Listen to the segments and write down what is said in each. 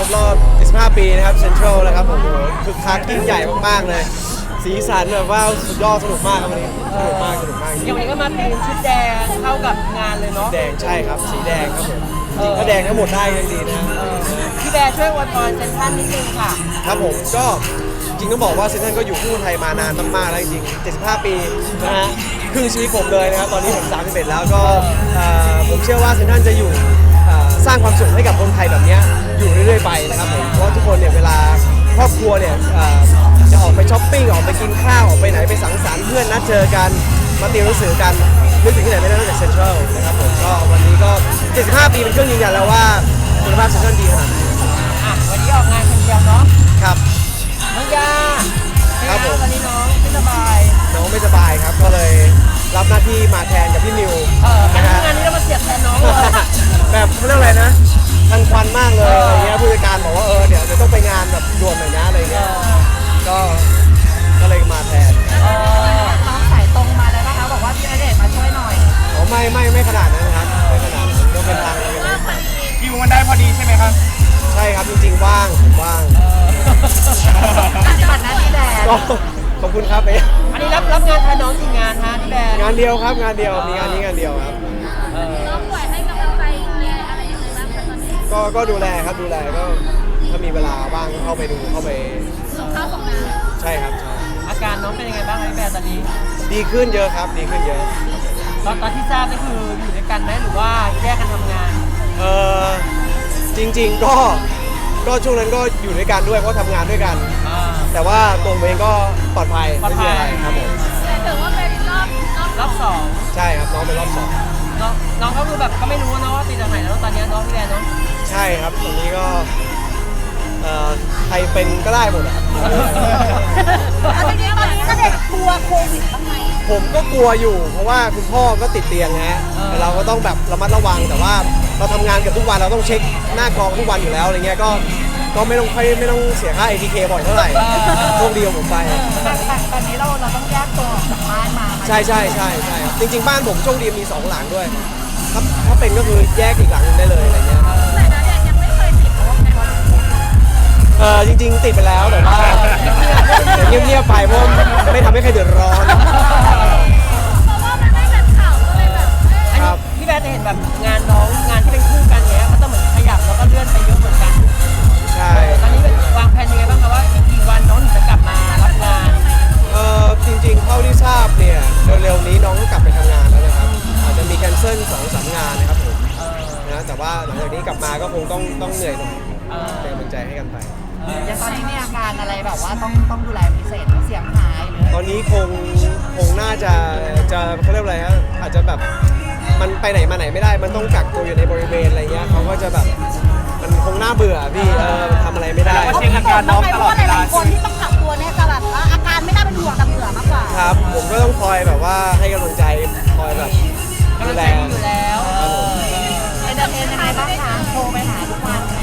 รบรอบ 15 ปีนะครับเซ็นทรัลนะครับผมคึกคักยิ่งใหญ่มากๆเลยสีสันแบบว่าสุดยอดสนุกมากครับวันนี้สนุกมากจริงอย่างวันนี้ก็มาตีมชุดแดงเข้ากับงานเลยเนาะแดงใช่ครับสีแดงครับผมจริงๆถ้าแดงทั้งหมดได้ยังดีนะพี่แบร์ช่วยอวยพรเซนทรัลนิดนึงค่ะครับผมก็จริงต้องบอกว่าเซนทรัลก็อยู่คู่ไทยมานานมากๆแล้วจริงๆ75 ปีนะฮะครึ่งชีวิตผมเลยนะครับตอนนี้ผม31แล้วก็ผมเชื่อว่าเซนทรัลจะอยู่สร้างความสุขให้กับคนไทยแบบนี้อยู่เรื่อยๆไปนะครับผมเพราะทุกคนเนี่ยเวลาครอบครัวเนี่ยจะออกไปช้อปปิ้งออกไปกินข้าวออกไปไหนไปสังสรรค์เพื่อนนัดเจอกันมาติวหนังสือกันนึกถึงที่ไหนไม่ได้นอกจากเซ็นทรัลนะครับผมก็วันนี้ก็75 ปีเป็นเครื่องยืนยันแล้วว่าคุณภาพเซ็นทรัลดีขนาดไหนวันนี้ออกงานคนเดียวเนาะครับน้องยาครับผมตอนนี้น้องไม่สบายน้องไม่สบายครับก็เลยรับหน้าที่มาแทนกับพี่มิวงานะฮะนนี้เรามาเสียบแทนน้องเลยแบบเขาเรียกอะไรนะทันควันมากเลยอะไรเงี้ยผู้จัดการบอกว่าเดี๋ยวต้องไปงานแบบด่วนหน่อยนะอะไรเงี้ยก็เลยมาแทนน้องสายตรงมาเลยนะคะบอกว่าพี่ณเดชน์มาช่วยหน่อยอ๋อไม่ขนาดนั้นครับไม่ขนาดนั้นก็เป็นทางเลยคิวมันได้พอดีใช่ไหมครับใช่ครับจริงๆว่างผมว่างปฏิบัติหน้าที่แดนก็ขอบคุณครับอันนี้รับงานแทนน้องกี่งานฮะพี่แบร์งานเดียวครับงานเดียวมีงานนี้งานเดียวครับน้องป่วยให้กำลังใจอะไรยังไงบ้างคะตอนนี้ก็ดูแลครับดูแลก็ถ้ามีเวลาว่างก็เข้าไปดูเข้าไปส่งข้าวส่งน้ใช่ครับใช่อาการน้องเป็นยังไงบ้างคะพี่แบร์ตอนนี้ดีขึ้นเยอะครับดีขึ้นเยอะตอนที่ทราบนี่คืออยู่ด้วยกันไหมหรือว่าแยกกันทำงานจริงๆก็ช่วงนั้นก็อยู่ด้วยกันด้วยเพราะทำงานด้วยกัน แต่ว่าตัวผมเองก็ปลอดภัยไม่มีอะไรครับผมำแต่ถือว่าเป็นรอบสองใช่ครับน้องเป็นรอบสองน้องก็คือแบบก็ไม่รู้นะว่าติดจากไหนแล้วตอนนี้น้องพี่แบร์เนาะใช่ครับตรงนี้ก็ใครเป็นก็ได้หมดอะครับเอาจริงๆตอนนี้ณเดชน์กลัวโควิดบ้างไหมผมก็กลัวอยู่ เพราะว่าคุณพ่อก็ติดเตียงฮะแต่เราก็ต้องแบบระมัดระวังแต่ว่าเราทำงานเกับทุกวันเราต้องเช็คหน้ากองทุกวันอยู่แล้วอะไรเงี้ยก็ไม่ต้องเสียค่า ATK บ่อยเท่าไหร่โชคดีของผมไปแต่ตอนนี้เราต้องแยกตัวออกจากบ้านมาใช่ครับจริงๆบ้านผมโชคดีมี2หลังด้วยถ้าเป็นก็คือแยกอีกหลังหนึงได้เลยอะไรเงี้ยแต่ณเดชน์ยังไม่เคยติดเพราะว่าเป็นจริงๆติดไปแล้วแต่ว่าเงียบๆไปเพราะไม่ทำให้ใครเดือดร้อนเพราะว่ามันไม่เป็นข่าวก็เลยแบบอันครันี้บพี่แบร์จะเห็นแบบงานน้องงานที่เป็นคู่กันเนี้ยก็จะเหมือนขยับแล้วก็เลื่อนไปเยอะเหมือนกันใช่ตอนนี้วางแผนยังไงบ้างคะว่าอีกกี่วันน้องถึงจะกลับมารับงานจริงๆเท่าที่ทราบเนี่ยเร็วๆนี้น้องก็กลับไปทำงานแล้วนะครับอาจจะมีแคนเซิล2-3 งานนะครับผมนะแต่ว่าหลังจากนี้กลับมาก็คงต้องเหนื่อยหน่อยเป็นกำลังใจให้กันไปอย่างตอนนี้มีอาการอะไรแบบว่าต้องดูแลพิเศษเสียงหายหรือตอนนี้คงน่าจะเขาเรียกอะไรฮะอาจจะแบบมันไปไหนมาไหนไม่ได้มันต้องกักตัวอยู่ในบริเวณอะไรเงี้ยเขาก็จะแบบมันคงน่าเบื่อพี่มันทำอะไรไม่ได้เช็คอาการน้องตลอดเวลาหลายๆคนที่ต้องกักตัวเนี่ยจะแบบว่าอาการไม่น่าเป็นห่วงแต่เบื่อมากกว่าครับผมก็ต้องคอยแบบว่าให้กำลังใจคอยแบบกำลัดูงแลใจดีอยู่แล้วเอนเตอร์เทนยังไงบ้างคะโทรไปหาทุกวันไหม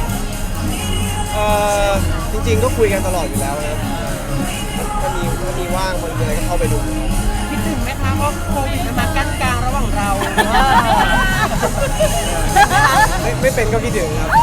จริงๆก็คุยกันตลอดอยู่แล้วนะถ้ามีว่างมันมีอะไรก็เข้าไปดูคิดถึงไหมคะเพราะโควิดมันมากั้นกลางระหว่างเราไม่เป็นก็คิดถึงครับ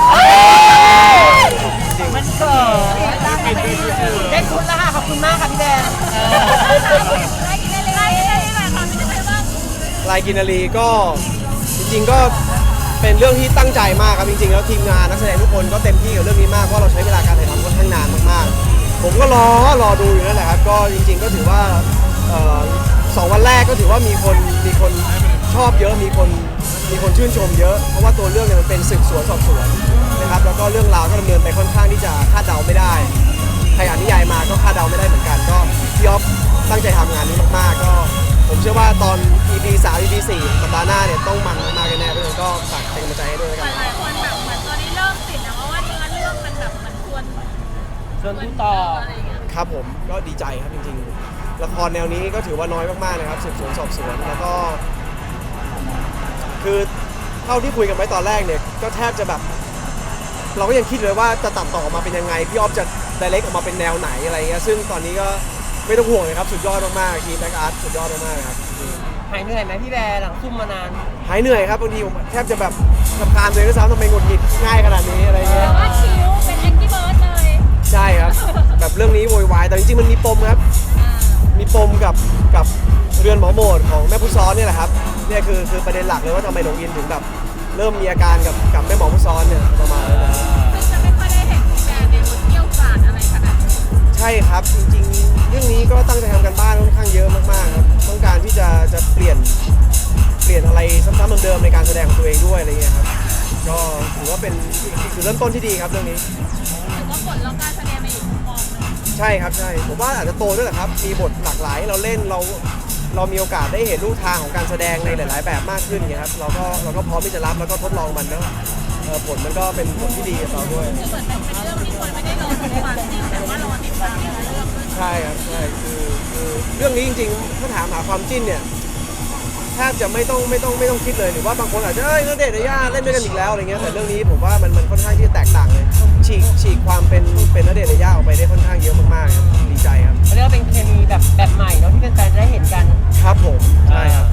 จริงมันเกิดได้ชุดแล้วค่ะขอบคุณมากค่ะพี่แดนไล่กินได้เลยไล่กินได้เลยค่ะทำได้เลยบ้างลายกินนารีก็จริงๆก็เป็นเรื่องที่ตั้งใจมากครับจริงๆแล้วทีมงานนักแสดงทุกคนก็เต็มที่กับเรื่องนี้มากเพราะเราใช้เวลาการถ่ายทำค่อนข้างนานมากๆผมก็รอดูอยู่นั่นแหละครับก็จริงๆก็ถือว่า2 วันแรกก็ถือว่ามีคนชอบเยอะมีคนชื่นชมเยอะเพราะว่าตัวเรื่องเนี่ยมันเป็นสืบสวนสอบสวนนะครับแล้วก็เรื่องราวก็ดำเนินไปค่อนข้างที่จะคาดเดาไม่ได้ใครอ่านนิยายมาก็คาดเดาไม่ได้เหมือนกันก็พี่อ๊อฟตั้งใจทำงานนี้มากๆก็ผมเชื่อว่าตอน EP 3 EP 4 สัปดาห์หน้าเนี่ยต้องมันมากๆแน่ๆด้วยก็ฝากเป็นกำลังใจให้ด้วยแล้วกันหลายคนแบบเหมือนตอนนี้เริ่มติดนะเพราะว่าเนื้อเรื่องมันแบบมันควรเชิญพูดต่ออะไรอย่างเงี้ยครับผมก็ดีใจครับจริงๆละครแนวนี้ก็ถือว่าน้อยมากๆนะครับสืบสวนสอบสวนแล้วก็คือเท่าที่คุยกันไว้ตอนแรกเนี่ยก็แทบจะแบบเราก็ยังคิดเลยว่าจะตัดต่อออกมาเป็นยังไงพี่ออฟจะไดเรกออกมาเป็นแนวไหนอะไรเงี้ยซึ่งตอนนี้ก็ไม่ต้องห่วงเลยครับสุดยอดมากๆทีมแบ็กอาร์ตสุดยอดมากๆครับหายเหนื่อยไหมพี่แบร์หลังซุ่มมานานหายเหนื่อยครับบางทีผมแทบจะแบบรำคาญตัวเองด้วยซ้ำทำไมหงุดหงิดง่ายขนาดนี้อะไรเงี้ยแต่ว่าคิวเป็นปมครับมีปมกับเรือนหมอโหมดของแม่ผู้ซ้อนเนี่ยแหละครับเนี่ยคือประเด็นหลักเลยว่าทำไมหลงอินถึงแบบเริ่มมีอาการกับแม่หมอผู้ซ้อนเนี่ยประมาณนั้นนะครับซึ่งจะไม่ค่อยได้เห็นแกในบทเกี่ยวกาดอะไรขนาดนั้นใช่ครับจริงๆเรื่องนี้ก็ตั้งใจทำกันบ้านค่อนข้างเยอะมากๆครับต้องการที่จะเปลี่ยนอะไรซ้ำๆเดิมๆในการแสดงของตัวเองด้วยอะไรเงี้ยครับก็ถือว่าเป็นจุดเริ่มต้นที่ดีครับเรื่องนี้ถือว่าผลแล้วการแสดงมาอยู่มุมมองหนึงใช่ครับใช่ผมว่าอาจจะโตด้วยแหละครับมีบทหลากหลายให้เราเล่นเรามีโอกาสได้เห็นรูปทางของการแสดงในหลาย ๆ แบบมากขึ้นอย่างเงี้ยครับเราก็พร้อมที่จะรับแล้วก็ทดลองมันแล้วผลมันก็เป็นผลที่ดีกับเราด้วยคือเหมือนเป็นเรื่องที่คนไม่ได้รอดูความจริงแต่ว่ารอติดตามในเรื่องด้วยใช่ครับใช่คือเรื่องนี้จริงๆถ้าถามหาความจิ้นเนี่ยแทบจะไม่ต้องคิดเลยหรือว่าบางคนอาจจะณเดชน์ยาย่าเล่นด้วยกันอีกแล้วอะไรเงี้ยแต่เรื่องนี้ผมว่ามันค่อนข้างที่จะแตกต่างเลยฉีกความเป็นณเดชน์ยาย่าออกไปได้ค่อนข้างเยอะมากๆครับดีใจครับเรียกว่าเป็นเคมีแบบใหม่เนาะที่แฟนๆจะได้เห็นกันครับผมใช่ครับ